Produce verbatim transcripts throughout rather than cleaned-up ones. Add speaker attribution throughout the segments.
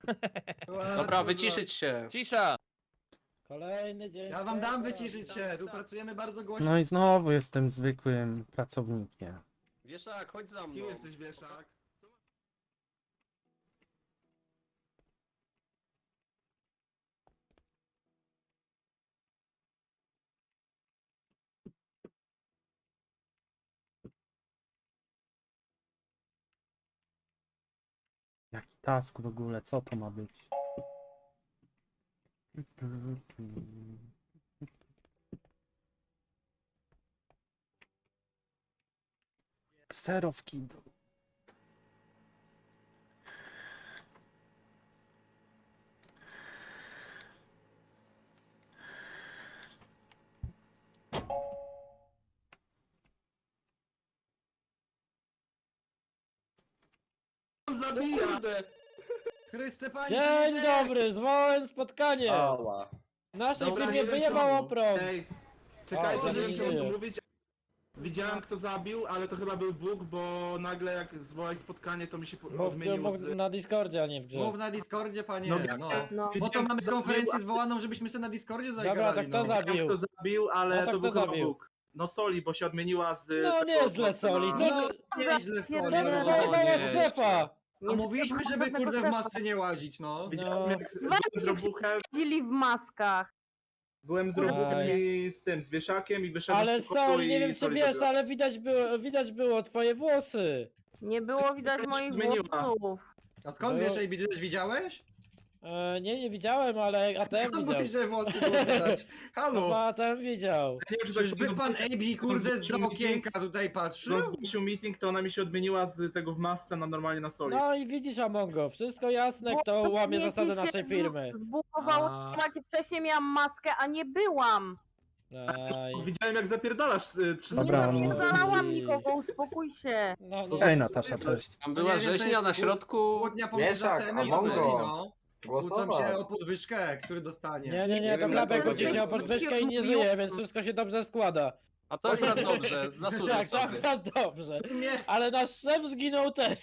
Speaker 1: Dobra, wyciszyć się.
Speaker 2: Cisza!
Speaker 3: Kolejny dzień.
Speaker 4: Ja wam dam wyciszyć się, tu pracujemy bardzo głośno.
Speaker 5: No i znowu jestem zwykłym pracownikiem.
Speaker 1: Wieszak, chodź za mną.
Speaker 6: Kim jesteś, wieszak?
Speaker 5: Jaki task w ogóle, co to ma być? Zero w kiblu.
Speaker 6: Zabija!
Speaker 1: Kurde.
Speaker 4: Chryste panie,
Speaker 3: Dzień
Speaker 4: Cinek!
Speaker 3: dobry, zwołałem spotkanie.
Speaker 1: Ała.
Speaker 3: Nasze
Speaker 6: Dobra,
Speaker 3: firmie
Speaker 6: nie
Speaker 3: wyjebało
Speaker 6: wyciągnął.
Speaker 3: prąd.
Speaker 6: Ej, czekajcie,
Speaker 3: O,
Speaker 6: nie wiem, czy mam
Speaker 3: nie.
Speaker 6: tu mówić. Widziałem, kto zabił, ale to chyba był Bóg, bo nagle jak zwołałeś spotkanie, to mi się po-
Speaker 3: Mów,
Speaker 6: odmienił
Speaker 3: mów
Speaker 6: z...
Speaker 3: na Discordzie, a nie w grze.
Speaker 4: Mów na Discordzie, panie,
Speaker 6: No,
Speaker 4: no.
Speaker 6: no.
Speaker 4: Po to mamy konferencję zwołaną, żebyśmy sobie na Discordzie tutaj
Speaker 3: Dobra,
Speaker 4: gadali,
Speaker 3: to kto
Speaker 4: no.
Speaker 3: za-
Speaker 6: Widziałem, kto zabił, ale
Speaker 3: No to
Speaker 6: to był
Speaker 3: kto
Speaker 6: chyba
Speaker 3: zabił?
Speaker 6: Bóg. No Soli, bo się odmieniła z...
Speaker 3: No
Speaker 6: tego
Speaker 3: nieźle,
Speaker 6: chłopca
Speaker 3: Soli,
Speaker 6: na-
Speaker 3: co-
Speaker 4: No, nieźle
Speaker 3: Co
Speaker 4: słonie,
Speaker 3: mnie
Speaker 4: no.
Speaker 3: zajebała
Speaker 1: nie.
Speaker 3: z szefa?
Speaker 4: A mówiliśmy, żeby kurde w masce nie łazić, no.
Speaker 6: Widziałem,
Speaker 3: No.
Speaker 6: jak byłem z robuchem,
Speaker 7: Chodzili w maskach.
Speaker 6: byłem z
Speaker 3: Aj.
Speaker 6: robuchem i z tym, z wieszakiem i wyszedłem
Speaker 3: Ale
Speaker 6: z pokoju
Speaker 3: Soli, nie
Speaker 6: i
Speaker 3: wiem czy
Speaker 6: Soli
Speaker 3: wiesz,
Speaker 6: zabiła.
Speaker 3: ale widać było, widać było twoje włosy.
Speaker 7: Nie było widać
Speaker 6: się
Speaker 7: moich
Speaker 6: zmieniła.
Speaker 7: włosów.
Speaker 4: A skąd
Speaker 3: No.
Speaker 4: wiesz, Ej, ty też widziałeś?
Speaker 3: E, nie, nie widziałem, ale A T M
Speaker 4: Skąd
Speaker 3: widział.
Speaker 4: mówisz, że włosy było widać?
Speaker 3: No,
Speaker 4: Halo!
Speaker 3: A T M widział.
Speaker 6: Ja nie wiem, czy tak
Speaker 4: Czyżby pan Ejbi, kurde, z okienka tutaj patrzył?
Speaker 6: On zgłosił meeting, to ona mi się odmieniła z tego w masce na normalnie na Soli.
Speaker 3: No i widzisz, Amongo, wszystko jasne, kto łamie
Speaker 7: Mnie
Speaker 3: zasady
Speaker 7: się
Speaker 3: naszej
Speaker 7: z-
Speaker 3: firmy.
Speaker 7: Zbugowało,
Speaker 4: A.
Speaker 7: jak wcześniej miałam maskę, a nie byłam.
Speaker 3: Aj.
Speaker 6: Widziałem, jak zapierdalasz y, trzy
Speaker 5: Dobra,
Speaker 6: sekundy.
Speaker 7: Nie
Speaker 5: no.
Speaker 7: zalałam nikogo, uspokój się.
Speaker 3: No, no.
Speaker 5: Hej Natasza, cześć.
Speaker 1: Tam
Speaker 4: No
Speaker 1: była
Speaker 4: nie wiem, to
Speaker 1: rzeźnia
Speaker 4: jest
Speaker 1: na
Speaker 4: pół-
Speaker 1: środku.
Speaker 4: Chłodnia
Speaker 8: Wieszak,
Speaker 4: pomoże temu i
Speaker 8: Amongo.
Speaker 4: Soli, no. Kłócą się
Speaker 8: Głosował.
Speaker 4: o podwyżkę, który dostanie.
Speaker 3: Nie, nie, nie,
Speaker 8: Nie
Speaker 3: to
Speaker 8: wiem,
Speaker 3: klapek
Speaker 8: dlaczego
Speaker 3: kłóci się
Speaker 8: nie.
Speaker 3: o podwyżkę i nie żyje, więc wszystko się dobrze składa.
Speaker 1: A to akurat dobrze, zasłużył
Speaker 3: Tak, to
Speaker 1: sobie.
Speaker 3: akurat dobrze.
Speaker 4: Nie.
Speaker 3: Ale nasz szef zginął też.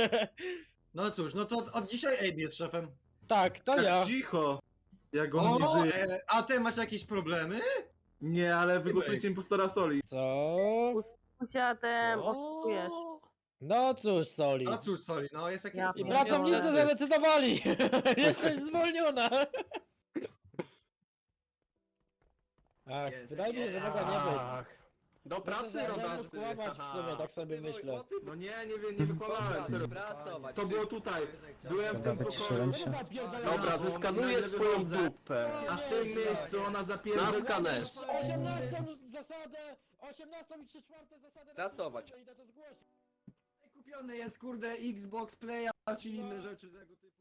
Speaker 4: No cóż, no to od dzisiaj Ejbi jest szefem.
Speaker 3: Tak, to ja.
Speaker 6: Tak cicho! Jak on nie
Speaker 4: O,
Speaker 6: żyje.
Speaker 4: e, a ty masz jakieś problemy?
Speaker 6: Nie, ale wygłosujcie impostora Soli.
Speaker 3: Co?
Speaker 7: Musiałem, oszukujesz.
Speaker 3: No cóż, Soli.
Speaker 4: No cóż, Soli, no jest jakiś...
Speaker 7: Ja
Speaker 3: I
Speaker 7: No,
Speaker 3: pracownicy
Speaker 1: niestety.
Speaker 3: zadecydowali. Jesteś zwolniona. Ach,
Speaker 4: Jest,
Speaker 3: wydaje mi się, że
Speaker 4: jest.
Speaker 3: mogła nie być.
Speaker 1: Ach. Do
Speaker 3: Muszę
Speaker 1: pracy,
Speaker 3: za-
Speaker 1: rodacy.
Speaker 3: mógł kłamać w sumie, tak sobie myślę.
Speaker 6: No nie, nie wiem, nie wykładałem. serio.
Speaker 1: Pracować.
Speaker 6: To było tutaj. Byłem w tym
Speaker 5: Dobra, wyciszyłem
Speaker 6: pokoju.
Speaker 5: się.
Speaker 1: Dobra, zeskanuję swoją dupę.
Speaker 6: A w tym miejscu ona
Speaker 1: Na
Speaker 6: zapierdala.
Speaker 1: skaner.
Speaker 3: osiemnastą zasadę, osiemnastą i trzy czwarte zasadę.
Speaker 1: Pracować.
Speaker 3: Idę to zgłosić.
Speaker 4: Kupiony jest, kurde, Xbox Playa czy inne rzeczy tego typu.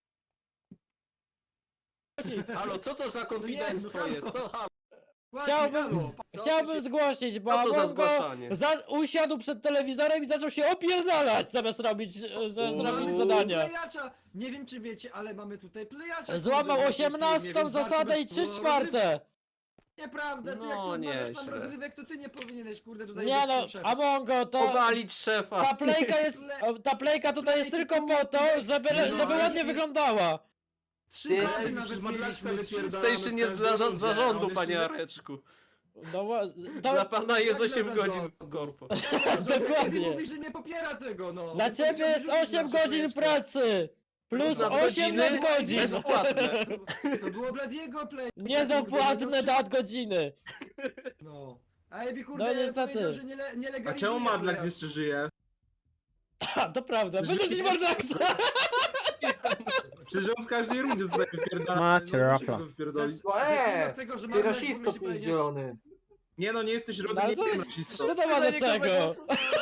Speaker 1: Halo, co to za konfidenctwo
Speaker 4: Nie, no,
Speaker 1: jest? Co? Halo,
Speaker 4: Właśnie,
Speaker 3: Chciałbym-
Speaker 4: halo,
Speaker 1: co
Speaker 3: Chciałbym
Speaker 1: się-
Speaker 3: zgłosić, bo
Speaker 1: Co to za
Speaker 3: Amongo
Speaker 1: zgłaszanie?
Speaker 3: za, usiadł przed telewizorem i zaczął się opierdalać zamiast robić, e, za,
Speaker 1: Uuu.
Speaker 3: zrobić
Speaker 4: Mamy
Speaker 3: zadania.
Speaker 4: Playacza. Nie wiem czy wiecie, ale mamy tutaj playacza.
Speaker 3: Złamał
Speaker 4: kurde,
Speaker 3: osiemnastą
Speaker 4: nie wiem,
Speaker 3: zasadę i
Speaker 4: warto by
Speaker 3: trzy
Speaker 4: było
Speaker 3: czwarte.
Speaker 4: Nieprawda, ty
Speaker 1: No,
Speaker 4: jak tu odmawiasz tam
Speaker 1: nieźle.
Speaker 4: rozrywek, to ty nie powinieneś, kurde, tutaj
Speaker 3: Nie
Speaker 4: być
Speaker 3: no,
Speaker 4: tym szefem.
Speaker 3: Amongo, to...
Speaker 1: Powalić szefa.
Speaker 3: Ta plejka jest, o, ta plejka tutaj jest tylko po to, żeby,
Speaker 4: No,
Speaker 3: żeby
Speaker 4: ale-
Speaker 3: ładnie wyglądała.
Speaker 4: Trzy
Speaker 8: Ty-
Speaker 4: razy
Speaker 6: Ej,
Speaker 4: nawet
Speaker 6: przecież Madlaxa
Speaker 4: mieliśmy.
Speaker 6: wypierdalamy
Speaker 1: Station
Speaker 6: w
Speaker 1: jest
Speaker 6: każdej
Speaker 1: dla za-
Speaker 6: rundzie, a
Speaker 1: zarządu,
Speaker 6: on
Speaker 1: panie
Speaker 6: jeszcze-
Speaker 3: No,
Speaker 1: Areczku.
Speaker 3: wa-
Speaker 1: Dla
Speaker 3: to,
Speaker 1: pana jest
Speaker 4: Jak
Speaker 1: osiem
Speaker 4: dla
Speaker 1: godzin
Speaker 4: zarządu.
Speaker 1: w korpo.
Speaker 3: Dokładnie.
Speaker 4: mówi, że nie popiera tego, no.
Speaker 3: dla
Speaker 4: Bo
Speaker 3: ciebie
Speaker 4: chciał
Speaker 3: jest
Speaker 4: wyrzucić
Speaker 3: osiem
Speaker 4: nasze
Speaker 3: godzin
Speaker 4: plejeczkę.
Speaker 3: pracy. Plus
Speaker 1: Plus
Speaker 3: osiem
Speaker 1: nadgodziny
Speaker 3: nadgodzin.
Speaker 1: bezpłatne.
Speaker 4: To było Bladiego play.
Speaker 3: Niedopłatne nadgodziny.
Speaker 4: No. A Ebi, kurde,
Speaker 3: No, niestety.
Speaker 4: powiedział, że nie, le, nie
Speaker 6: A
Speaker 4: legalizuje
Speaker 6: czemu Madlax
Speaker 4: playa.
Speaker 6: jeszcze żyje?
Speaker 3: A, to prawda. Wyrzucić Mordaksa.
Speaker 6: Przecież on w każdej rundzie zostaje wypierdalany.
Speaker 5: Macie
Speaker 6: no, musi
Speaker 5: raka.
Speaker 6: go wypierdolić.
Speaker 4: To jest
Speaker 8: Eee,
Speaker 4: kwestia tego, że
Speaker 8: Ty
Speaker 4: mamy
Speaker 8: rasisto
Speaker 4: nadzieję, że będzie-
Speaker 8: zielony.
Speaker 6: Nie no, nie jesteś
Speaker 3: No,
Speaker 6: rodem,
Speaker 3: ale
Speaker 6: nie
Speaker 3: co-
Speaker 6: jestem rasistą.
Speaker 3: Co to ma do czego?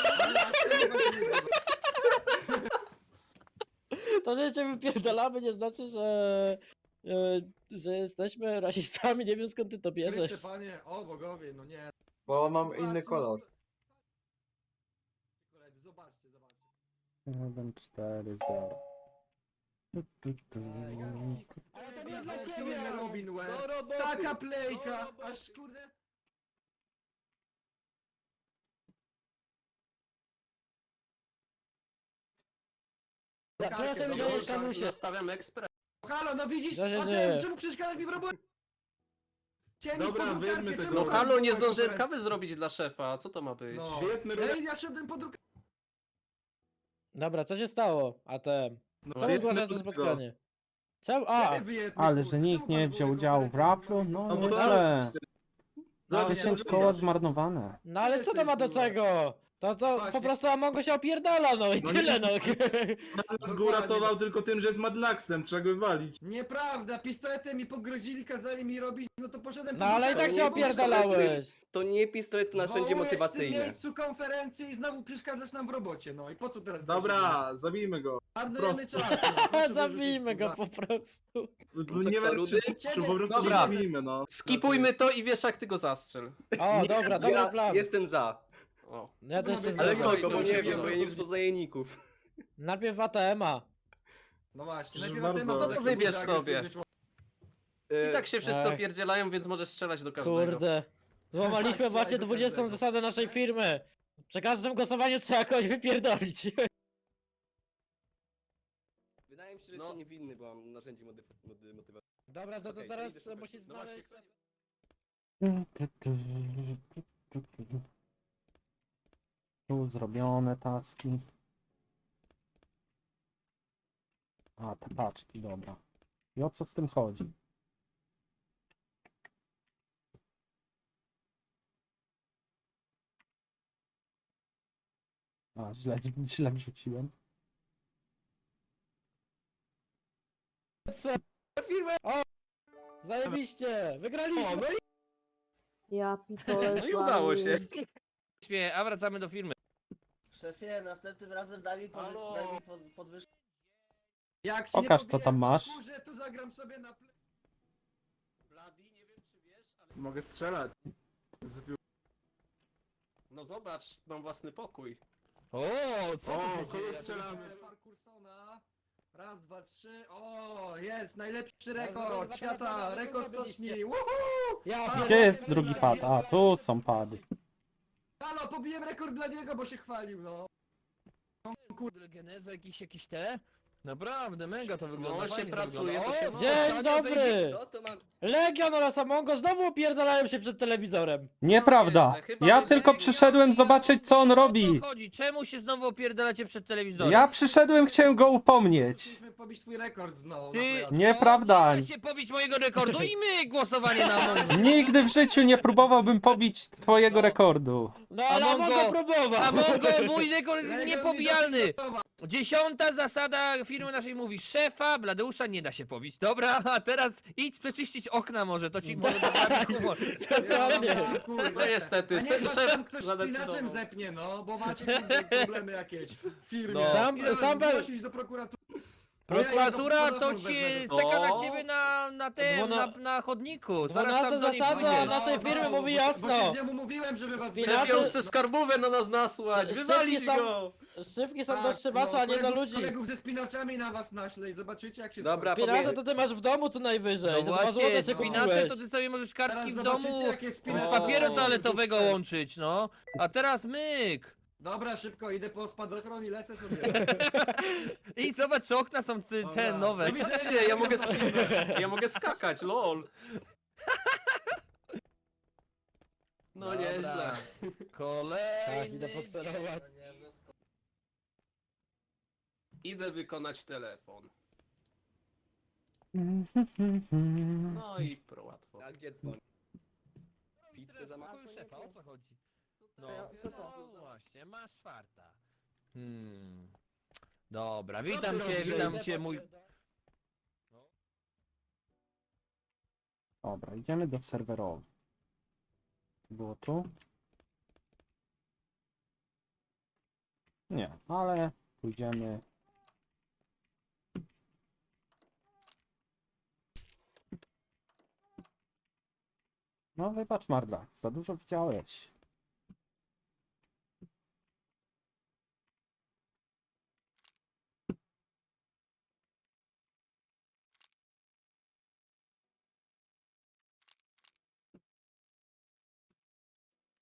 Speaker 3: To, że się wypierdalamy nie znaczy, że, e, że jesteśmy rasistami. Nie wiem skąd ty to bierzesz.
Speaker 4: Chryste, panie, o bogowie, no nie.
Speaker 8: Bo mam inny kolor.
Speaker 4: Koledzy, zobaczcie, zobaczcie.
Speaker 5: jeden, cztery, zero.
Speaker 3: Ale to nie dla
Speaker 4: Pracujemy,
Speaker 3: ciebie.
Speaker 4: Robin Web.
Speaker 1: Do roboty.
Speaker 4: Taka plejka,
Speaker 1: Do roboty.
Speaker 4: aż kurde...
Speaker 3: Proszę mi
Speaker 4: no,
Speaker 3: nie
Speaker 4: no,
Speaker 3: skanuj się.
Speaker 1: Nastawiam ekspres.
Speaker 4: Halo, no widzisz?
Speaker 3: Co się
Speaker 4: A
Speaker 3: dzieje?
Speaker 4: ten, czemu przeszkadzasz mi w robocie? Chciałem
Speaker 6: Dobra,
Speaker 4: iść po drukarkę,
Speaker 6: wyjmmy
Speaker 4: czemu
Speaker 6: tego.
Speaker 1: No
Speaker 4: tak
Speaker 1: halo, nie
Speaker 4: zwołać
Speaker 1: zdążyłem
Speaker 4: konferencję?
Speaker 1: kawy zrobić dla szefa. Co to ma być?
Speaker 4: No.
Speaker 6: Świetny
Speaker 4: Ej, ja szedłem po drukarkę.
Speaker 3: Dobra, co się stało? A ten.
Speaker 6: No,
Speaker 3: Czemu
Speaker 6: wyjedźmy
Speaker 3: zgłaszasz to
Speaker 6: do tego.
Speaker 3: spotkanie? Czemu? A!
Speaker 5: Ale że nikt nie wziął udziału w raplu? No,
Speaker 6: No bo to
Speaker 5: źle.
Speaker 6: Zobacz,
Speaker 5: dziesięć
Speaker 6: nie,
Speaker 5: koła
Speaker 6: nie,
Speaker 5: zmarnowane.
Speaker 3: No ale co to ma do czego? To to po
Speaker 4: Właśnie.
Speaker 3: prostu Amongo się opierdala, no i
Speaker 6: No
Speaker 3: tyle,
Speaker 6: nie-
Speaker 3: no.
Speaker 6: Nas go uratował tylko tym, że jest Madlaxem, trzeba go wywalić.
Speaker 4: Nieprawda, pistoletem mi pogrozili, kazali mi robić, no to poszedłem
Speaker 3: No
Speaker 4: po
Speaker 3: ale i tak
Speaker 4: drukarkę.
Speaker 3: się opierdalałeś.
Speaker 2: To nie pistolet to narzędzie
Speaker 4: Zwołujesz w tym
Speaker 2: motywacyjne.
Speaker 4: miejscu konferencję i znowu przeszkadzasz nam w robocie, no i po co teraz?
Speaker 6: Dobra, zabijmy go.
Speaker 4: Marnujemy
Speaker 6: prosto.
Speaker 4: czas. no, proszę
Speaker 3: Zabijmy
Speaker 4: wyrzucić,
Speaker 3: go
Speaker 4: kurwa.
Speaker 3: po prostu.
Speaker 6: No, nie
Speaker 2: kto,
Speaker 6: wiem,
Speaker 2: Rudy?
Speaker 6: czy po prostu
Speaker 1: Dobra.
Speaker 6: zabijmy, no.
Speaker 1: Skipujmy to i wiesz jak ty go zastrzel.
Speaker 3: O, dobra, dobry
Speaker 2: Ja
Speaker 3: plan.
Speaker 2: jestem za.
Speaker 1: O.
Speaker 3: Ja też się
Speaker 4: Ale
Speaker 2: Ale
Speaker 1: Dobra,
Speaker 2: kogo, bo
Speaker 1: idę,
Speaker 2: nie
Speaker 1: idę,
Speaker 2: wiem, bo ja
Speaker 1: idę.
Speaker 2: nie rozpoznaję ników.
Speaker 3: Najpierw A T M-a.
Speaker 4: No właśnie,
Speaker 6: Proszę
Speaker 4: najpierw
Speaker 6: bardzo.
Speaker 4: na temat,
Speaker 6: No
Speaker 1: to
Speaker 4: jak
Speaker 1: wybierz
Speaker 4: będzie
Speaker 1: sobie.
Speaker 4: agresywny człowiek.
Speaker 1: I tak się wszyscy
Speaker 3: Ech.
Speaker 1: opierdzielają, więc możesz strzelać do każdego.
Speaker 3: Kurde. Złamaliśmy
Speaker 4: Tak,
Speaker 3: właśnie
Speaker 4: do
Speaker 3: dwudziestą
Speaker 4: każdego.
Speaker 3: zasadę naszej firmy. Przy każdym głosowaniu trzeba kogoś wypierdolić.
Speaker 2: Wydaje mi się, że
Speaker 1: No.
Speaker 2: jestem niewinny, bo mam narzędzie motyw- moty- motywacyjne.
Speaker 3: Dobra, to, to
Speaker 2: Okej,
Speaker 3: teraz
Speaker 2: idę szukać.
Speaker 3: musisz
Speaker 1: No właśnie.
Speaker 3: znaleźć...
Speaker 5: Tu zrobione taski. A, te paczki, dobra. I o co z tym chodzi? A, źle, źle wrzuciłem.
Speaker 3: Co? O! Zajebiście! Wygraliśmy!
Speaker 7: Ja pitole.
Speaker 1: No i udało się.
Speaker 3: Śmieję, a wracamy do firmy.
Speaker 9: Szefie, następnym razem daj mi,
Speaker 1: Halo?
Speaker 9: podwyż- daj mi pod- podwyżkę.
Speaker 4: Jak się
Speaker 5: Pokaż,
Speaker 4: nie
Speaker 5: co tam
Speaker 4: pobije
Speaker 5: masz.
Speaker 4: w kurze, to zagram sobie na ple...
Speaker 1: Bloody, nie wiem czy wiesz, ale...
Speaker 6: Mogę strzelać. Zabił-
Speaker 1: No zobacz, mam własny pokój.
Speaker 3: O,
Speaker 6: O, kogo strzelamy?
Speaker 4: Parkursona. Raz, dwa, trzy. O, jest najlepszy
Speaker 3: Dobra,
Speaker 4: rekord
Speaker 3: dobra,
Speaker 4: świata,
Speaker 3: dobra,
Speaker 4: rekord
Speaker 3: dobra,
Speaker 4: stoczni. Woohoo!
Speaker 3: Ja
Speaker 4: Halo,
Speaker 5: Gdzie
Speaker 3: pierdolę.
Speaker 5: jest drugi pad? A, tu są pady.
Speaker 4: Halo, pobiłem rekord dla niego, bo się chwalił, no.
Speaker 3: Kurde, geneza jakiś, jakiś te? Naprawdę, mega to wygląda.
Speaker 1: No, się
Speaker 3: fajnie
Speaker 1: pracuje,
Speaker 3: to
Speaker 1: to
Speaker 3: wygląda.
Speaker 1: się-
Speaker 3: O, dzień dobry!
Speaker 2: No to mam...
Speaker 3: Legion oraz Amongo znowu opierdalają się przed telewizorem.
Speaker 5: Nieprawda! Ja tylko przyszedłem zobaczyć, co on robi.
Speaker 3: chodzi? Czemu się znowu opierdalacie przed telewizorem?
Speaker 5: Ja przyszedłem, chciałem go upomnieć.
Speaker 4: Chcieliśmy pobić twój rekord, no.
Speaker 3: Ty-
Speaker 4: na playoff.
Speaker 5: Nieprawda.
Speaker 3: Nie da się pobić mojego rekordu i my głosowanie na Amongo.
Speaker 5: Nigdy w życiu nie próbowałbym pobić twojego rekordu.
Speaker 3: No ale Amongo próbował.
Speaker 10: Amongo, mój rekord jest
Speaker 4: Rekord mi
Speaker 10: niepobijalny!
Speaker 4: dofinansował.
Speaker 10: Dziesiąta zasada firmy naszej mówi: szefa Bladeusza nie da się pobić. Dobra, a teraz idź przeczyścić okna może, to ci może poprawi humor.
Speaker 3: Dokładnie.
Speaker 4: Ja, kurde.
Speaker 1: No niestety,
Speaker 4: A niech
Speaker 1: se-
Speaker 4: was
Speaker 1: szef
Speaker 4: tam ktoś szpinaczem
Speaker 1: zadecydował.
Speaker 4: zepnie, no, bo macie kurde, problemy jakieś w firmie.
Speaker 10: No.
Speaker 3: Sam-
Speaker 4: Ile
Speaker 3: sam-
Speaker 4: zgłosić do prokuratury.
Speaker 10: Prokuratura to
Speaker 4: Telefon
Speaker 10: ci
Speaker 4: wezmę.
Speaker 10: czeka na
Speaker 1: O.
Speaker 10: ciebie na, na tym, na,
Speaker 3: Dwuna-
Speaker 10: na chodniku. Zaraz
Speaker 3: Dwunasta
Speaker 10: tam do niej
Speaker 3: zasada
Speaker 10: pójdziesz.
Speaker 3: naszej firmy mówi jasno.
Speaker 4: Bo się z niemu mówiłem, żeby was
Speaker 3: Spinacze-
Speaker 1: Lepiej on chce skarbówę na nas nasłać,
Speaker 3: Sz-
Speaker 1: wywalić
Speaker 3: szybki są-
Speaker 1: go!
Speaker 3: Szybki są
Speaker 4: Tak,
Speaker 3: do strzywacza, a nie do
Speaker 4: kolegów-
Speaker 3: ludzi.
Speaker 4: kolegów ze spinaczami na was naślę i zobaczycie jak się
Speaker 2: Dobra,
Speaker 4: skończy.
Speaker 3: Spinacze to ty masz w domu tu najwyżej.
Speaker 10: No
Speaker 3: Za dwa złote
Speaker 10: właśnie,
Speaker 3: się
Speaker 10: spinacze
Speaker 3: kupiłeś.
Speaker 10: to ty sobie możesz kartki
Speaker 4: Teraz
Speaker 10: w
Speaker 4: zobaczycie,
Speaker 10: domu
Speaker 4: jakie spinacze.
Speaker 10: z
Speaker 3: O,
Speaker 10: papieru toaletowego
Speaker 4: wrzucę.
Speaker 10: łączyć, no. A teraz myk.
Speaker 4: Dobra, szybko, idę po spadochron i lecę sobie.
Speaker 10: I zobacz, czy okna są cy, te
Speaker 4: Dobra.
Speaker 10: nowe.
Speaker 4: Do widzenia.
Speaker 1: Patrzcie, ja mogę, sk- ja mogę skakać, lol. No
Speaker 10: Dobra.
Speaker 1: nieźle.
Speaker 10: Kolejny.
Speaker 3: Tak, idę pokserować.
Speaker 1: Idę wykonać telefon. No i pro łatwo.
Speaker 2: A gdzie dzwoni?
Speaker 10: Pizzę
Speaker 2: Pizzę
Speaker 10: za
Speaker 2: zamawiam?
Speaker 10: szefa, o co chodzi? No,
Speaker 7: Co to?
Speaker 10: no właśnie, masz czwarta. Hmm. Dobra, witam
Speaker 4: ty
Speaker 10: cię,
Speaker 4: robisz?
Speaker 10: witam cię, mój...
Speaker 5: Dobra, idziemy do serwerowi. Było tu? Nie, ale pójdziemy. No wybacz Marda, za dużo widziałeś.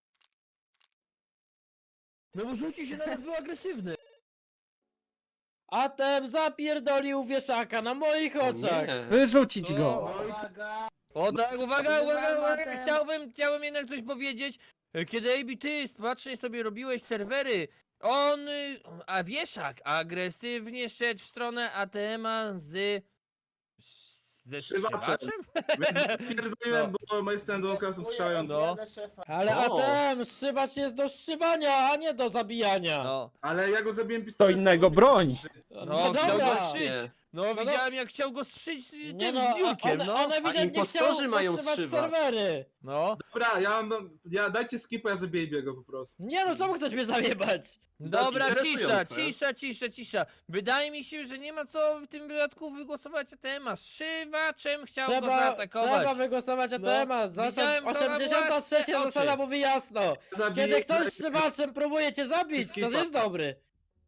Speaker 3: No bo rzuci się na nas, był agresywny. Atem zapierdolił wieszaka na moich oczach.
Speaker 1: Nie.
Speaker 5: Wyrzucić
Speaker 10: O,
Speaker 5: go!
Speaker 9: Uwaga!
Speaker 10: O tak, uwaga, uwaga, uwaga,
Speaker 9: Tematem.
Speaker 10: chciałbym, chciałbym jednak coś powiedzieć. Kiedy A B, ty spacznie sobie robiłeś serwery, on, y, a wieszak agresywnie szedł w stronę A T M-a z... ze
Speaker 6: Strzywaczem.
Speaker 10: strzywaczem?
Speaker 6: Więc pierdoliłem, bo moje standołka są strzelają.
Speaker 10: No.
Speaker 9: Szefa.
Speaker 3: Ale
Speaker 1: O.
Speaker 3: Atem, strzywacz jest do strzywania, a nie do zabijania.
Speaker 10: No,
Speaker 6: Ale ja go zabiłem
Speaker 5: To
Speaker 6: pistoletem.
Speaker 5: innego broń!
Speaker 3: No,
Speaker 10: no, chciał
Speaker 3: dobra.
Speaker 10: go strzyć. No,
Speaker 3: no.
Speaker 10: widziałem jak chciał go strzyć z
Speaker 3: Nie
Speaker 10: tym
Speaker 3: no,
Speaker 10: z
Speaker 3: a-
Speaker 10: biurkiem,
Speaker 3: on,
Speaker 10: no.
Speaker 3: on ewidentnie
Speaker 1: impostorzy
Speaker 3: chciał
Speaker 1: mają
Speaker 3: postrzywać
Speaker 1: strzywać.
Speaker 3: serwery.
Speaker 10: No,
Speaker 6: Dobra, ja mam... Ja, dajcie skipa, ja zabiję biego po prostu.
Speaker 3: Nie no, czemu chcesz mnie zajebać?
Speaker 10: dobra, cisza,
Speaker 1: interesujące.
Speaker 10: cisza, cisza, cisza. Wydaje mi się, że nie ma co w tym wypadku wygłosować A T M-a. Strzywaczem chciał go
Speaker 3: Trzeba,
Speaker 10: zaatakować.
Speaker 3: trzeba wygłosować
Speaker 10: No,
Speaker 3: temat. Zasad,
Speaker 10: widziałem to na
Speaker 3: osiemdziesiąta trzecia
Speaker 10: własne
Speaker 3: zasada
Speaker 10: oczy.
Speaker 3: mówi jasno.
Speaker 6: Zabiję...
Speaker 3: Kiedy ktoś strzywaczem próbuje cię zabić, to
Speaker 6: Skipa.
Speaker 3: jest dobry.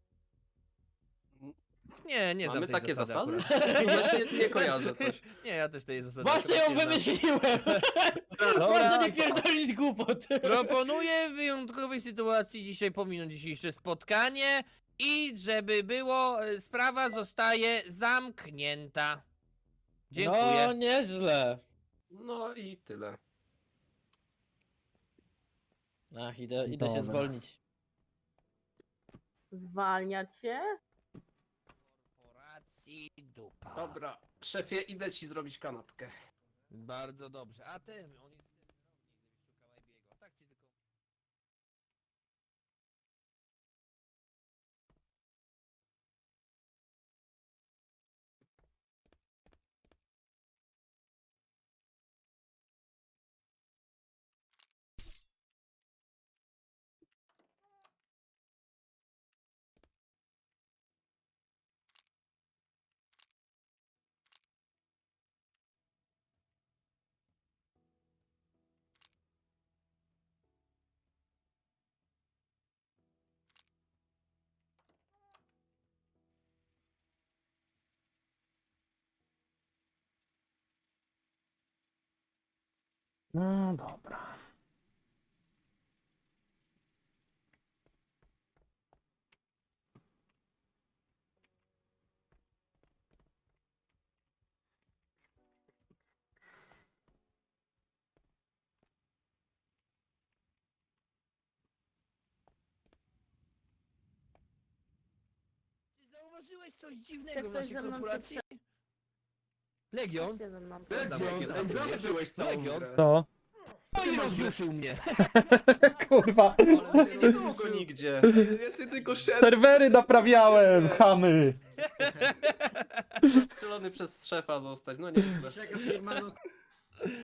Speaker 10: Nie, nie znam
Speaker 1: Mamy
Speaker 10: tej
Speaker 1: takie
Speaker 10: zasady.
Speaker 1: zasady?
Speaker 10: akurat.
Speaker 1: Właśnie nie kojarzę coś.
Speaker 10: Nie, ja też tej zasady
Speaker 3: Właśnie ją
Speaker 10: akurat nie znam.
Speaker 3: wymyśliłem.
Speaker 10: Dobra.
Speaker 3: Proszę nie pierdolić głupot.
Speaker 10: Proponuję w wyjątkowej sytuacji dzisiaj pominąć dzisiejsze spotkanie i żeby było, e, sprawa zostaje zamknięta. Dziękuję.
Speaker 3: No, nieźle.
Speaker 1: No i tyle.
Speaker 3: Ach, idę, idę się
Speaker 5: Dobra.
Speaker 3: zwolnić.
Speaker 7: Zwalniać się?
Speaker 10: Korporacji dupa.
Speaker 1: Dobra, szefie, idę ci zrobić kanapkę.
Speaker 10: Bardzo dobrze. A ty, on jest celownik, gdybyś szukał Ebiego. Tak ci tylko...
Speaker 5: No dobra.
Speaker 10: Czy zauważyłeś coś dziwnego
Speaker 7: Jak
Speaker 10: w
Speaker 7: ktoś
Speaker 10: naszej
Speaker 7: ze mną
Speaker 10: korporacji? Legion?
Speaker 7: Gdzie ze mną?
Speaker 1: Adam,
Speaker 6: Legion,
Speaker 1: jakie
Speaker 6: ej,
Speaker 1: ty
Speaker 6: zawsze-
Speaker 1: przeżyłeś całą
Speaker 10: Legion.
Speaker 1: grę.
Speaker 5: To?
Speaker 10: No i rozjuszył mnie.
Speaker 5: Kurwa.
Speaker 1: Nie było go nigdzie.
Speaker 2: Ja sobie tylko szedłem.
Speaker 5: Serwery naprawiałem, chamy!
Speaker 1: Strzelony przez szefa zostać, no nie.
Speaker 4: Czeka firma, no